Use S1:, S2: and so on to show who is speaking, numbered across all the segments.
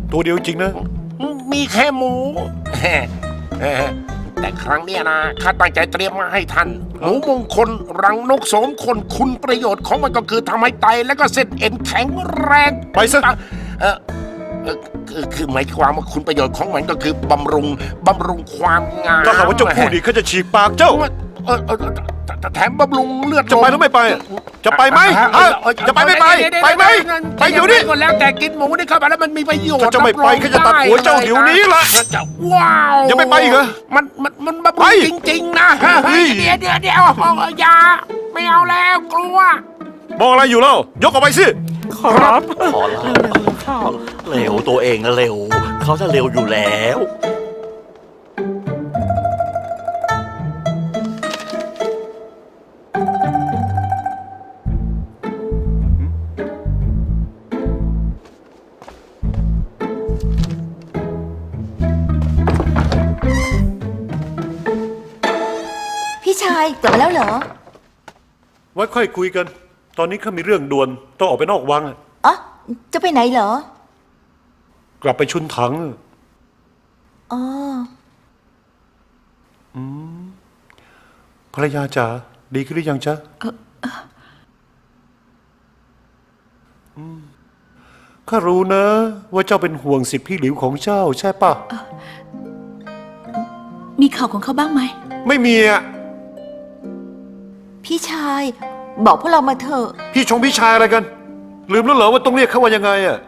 S1: ตัวเดียวจริงนะ
S2: มีแค่หมู แต่ครั้งเนี้ยนะข้าตั้งใจเตรียมมาให้ท่านหมูมงคลรังนกโสมคนคุณประโยชน์ของมันก็คือทำให้ไตและก็เส้นเอ็นแข็งแรง
S1: ไปซะ
S2: คือหมายความว่าคุณประโยชน์ของมันก็คือบำรุงความงาม
S1: ถ้าหากว่าเจ้าพูดอีกเขาจะฉีกปากเจ้า
S2: แถมบำรุงเลือด
S1: จะไปหรือไม่ไป จะไปไหมฮะจะไปไม่ไป ไปไหม ไปเดี๋ยวนี้
S2: ก็แล้วแต่กินหมูนี่เข้าไปแล้วมันมีประโยชน์
S1: ถ้าจะไม่ไปก็จะตัดหัวเจ้าเดี๋ยวนี้ล่ะ
S2: จะว้าว
S1: ยังไม่ไปอีกเหรอ
S2: มันบำรุงจริงๆนะ
S1: เฮ้ย
S2: เดี๋ยวอย่าไม่เอาแล้วกลัว
S1: มองอะไรอยู่เล่า ยกออกไปสิ
S3: ครับ
S4: ขอละเร็วตัวเองนะเร็ว เขาจะเร็วอยู่แล้ว
S5: พี่ชายกลับมาแล้วเหรอ
S1: ไว้ค่อยคุยกัน ตอนนี้ข้ามีเรื่องด่วน ต้องออกไปนอกวัง
S5: อ๋อ จะไปไหนเหรอ
S1: กลับไปชุนถัง
S5: อ๋อ
S1: ภรรยาจ๋าดีขึ้นหรือยังจ๊ะข้ารู้นะ ว่าเจ้าเป็นห่วงสิทธิพี่หลิวของเจ้าใช่ปะ
S6: มีข่าวของเขาบ้างไหม
S1: ไม่มีอ่ะ
S5: พี่ชาย บอกพวกเรามาเถอะ
S1: พี่ชายอะไรกัน ลืมแล้วเหรอว่าต้องเรียกเขาว่ายังไงอ่ะ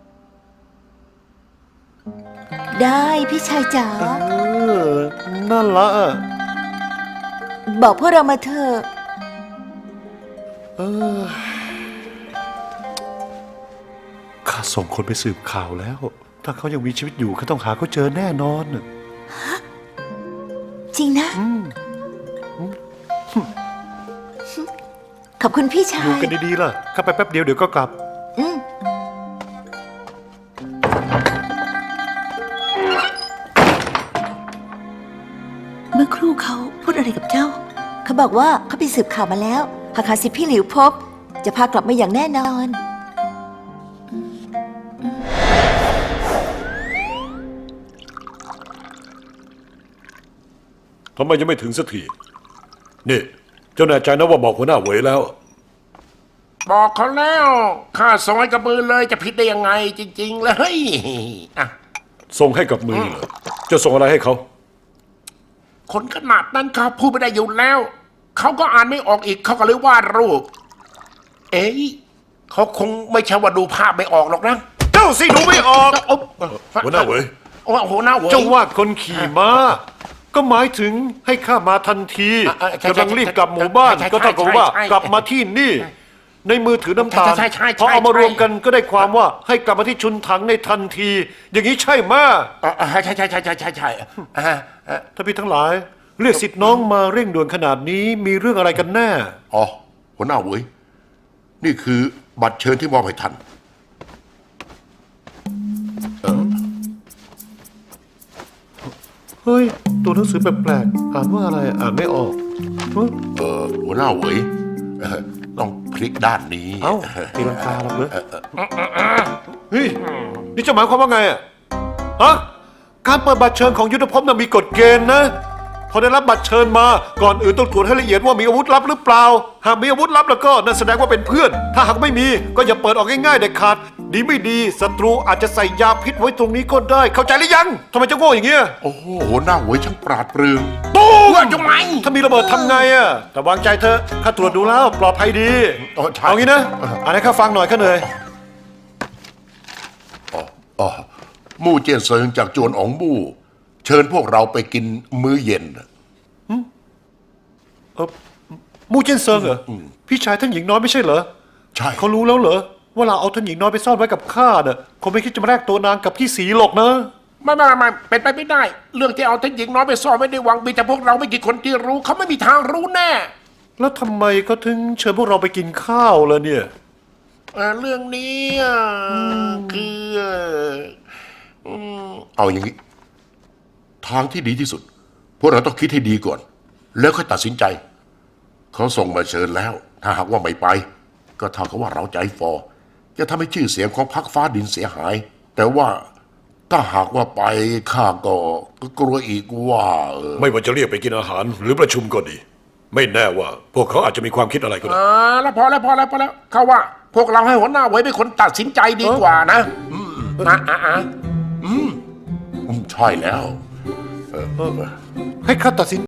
S5: ได้พี่ชายจ๋า
S1: นั่นละ
S5: บอกพวกเรามาเถอะ
S1: ข้าส่งคนไปสืบข่าวแล้ว ถ้าเขายังมีชีวิตอยู่ข้าต้องหาเขาเจอแน่นอน
S5: จริงนะ ขอบคุณพี่ชา
S1: อยู่
S5: ย
S1: กันดีๆล่ะข้าไปแป๊บเดียวเดี๋ยวก็กลับ
S5: อืม
S6: เมื่อครู่เขาพูดอะไรกับเจ้า
S5: เขาบอกว่าเขาไปสืบข่าวมาแล้วหากหาสิทธิพี่หลิวพบ จะพากลับมาอย่างแน่นอน
S1: ทำไมยังไม่ถึงสักที นี่ เจ้าแน่ใจนะว่าบอกหัวหน้าเหวยแล้ว
S2: บอกเขาแล้วข้าส่งให้กับมือเลยจะผิดได้ยังไงจริง ๆ เลยอ่ะ
S1: ส่งให้กับมือเหรอจะส่งอะไรให้เขา
S2: คนขนาดนั้นเขาพูดไม่ได้อยู่แล้ว เขาก็อ่านไม่ออกอีกเขาก็เลยวาดรูป เอ๊ะเขาคงไม่ใช่ว่าดูภาพไม่ออกหรอกนะ
S1: เจ้าสิดูไม่ออก หัวหน้าเหวย
S2: หัวหน้าเหวย
S1: เจ้าว่าคนขี่ม้า ก็หมายถึงให้ข้ามาทันที
S2: ใช่
S1: กำลังรีบกลับหมู่บ้าน
S2: ใช่
S1: ก็เท่ากับว่า
S2: ใช่
S1: กลับมาที่นี่ ในมือถือน้ำตาล
S2: ใช่
S1: พอเอามารวมกันก็ได้ความว่าให้กลับมาที่ชุนถังในทันที อย่างนี้ใช่ไหม
S2: ใช่
S1: ท่านพี่ทั้งหลาย เรียกสิทธิ์น้องมาเร่งด่วนขนาดนี้มีเรื่องอะไรกันแน่
S7: อ๋อหัวหน้าเหวยนี่คือบัตรเชิญที่มอบให้ท่าน
S1: เฮ้ย ตัวหนังสือแปลกๆอ่านว่าอะไรอ่านไม่ออกเฮ้ย
S7: หัวหน้าเหวยต้องพลิกด้านนี้
S1: เอ้าตีลังกาหรอกเหรอเฮ้ย นี่จะหมายความว่าไงอ่ะฮะการเปิดบัตรเชิญของยุทธภพน่ะมีกฎเกณฑ์นะ พอได้รับบัตรเชิญมา ก่อนอื่นต้องตรวจให้ละเอียดว่ามีอาวุธลับหรือเปล่า หากมีอาวุธลับแล้วก็นั่นแสดงว่าเป็นเพื่อน ถ้าหากไม่มีก็อย่าเปิดออกง่ายๆเด็ดขาด ดีไม่ดีศัตรูอาจจะใส่ยาพิษไว้ตรงนี้ก็ได้ เข้าใจหรือยังทำไมจะโง่อย่างเงี้ย
S7: โอ้โหหัวหน้าเหวยช่างปราดเปรื่อง
S1: ตูม
S2: ว่าทำไม
S1: ถ้ามีระเบิดทำไงอ่ะแต่วางใจเถอะข้าตรวจดูแล้วปลอดภัยดี
S7: ใช่
S1: เอางี้นะอ่านให้ข้าฟังหน่อยข้าเหนื่อย
S7: อ๋อมู่เจียนเซิงจากจวนอ๋องมู่ เชิญพวกเราไปกินมื้อเย็น
S1: มูเจนเซิงเหรอพี่ชายท่านหญิงน้อยไม่ใช่เหรอ
S7: ใช่
S1: เขารู้แล้วเหรอว่าเราเอาท่านหญิงน้อยไปซ่อนไว้กับข้าน่ะคงไม่คิดจะมาแลกตัวนางกับพี่สีหรอกนะ
S2: ไม่เป็นไปไม่ได้ เรื่องที่เอาท่านหญิงน้อยไปซ่อนไม่ได้หวังมีแต่พวกเราไม่กี่คนที่รู้เขาไม่มีทางรู้แน่
S1: แล้วทำไมเขาถึงเชิญพวกเราไปกินข้าวล่ะเนี่ย
S2: เรื่องนี้คือ
S7: เอาอย่างนี้ ทางที่ดีที่สุด พวกเราต้องคิดให้ดีก่อน แล้วค่อยตัดสินใจ เขาส่งมาเชิญแล้ว ถ้าหากว่าไม่ไป ก็เท่ากับว่าเราใจฟอจะทำให้ชื่อเสียงของพรรคฟ้าดินเสียหาย แต่ว่าถ้าหากว่าไปข้าก็กลัวอีกว่า
S1: ไม่ว่าจะเรียกไปกินอาหารหรือประชุมก็ดี ไม่แน่ว่า พวกเขาอาจจะมีความคิดอะไรก็ได้
S2: แล้วพอแล้วเขาว่า พวกเราให้หัวหน้าไว้เป็นคนตัดสินใจดีกว่านะ
S7: ใช่แล้ว
S1: ให้ข้าตัดสิน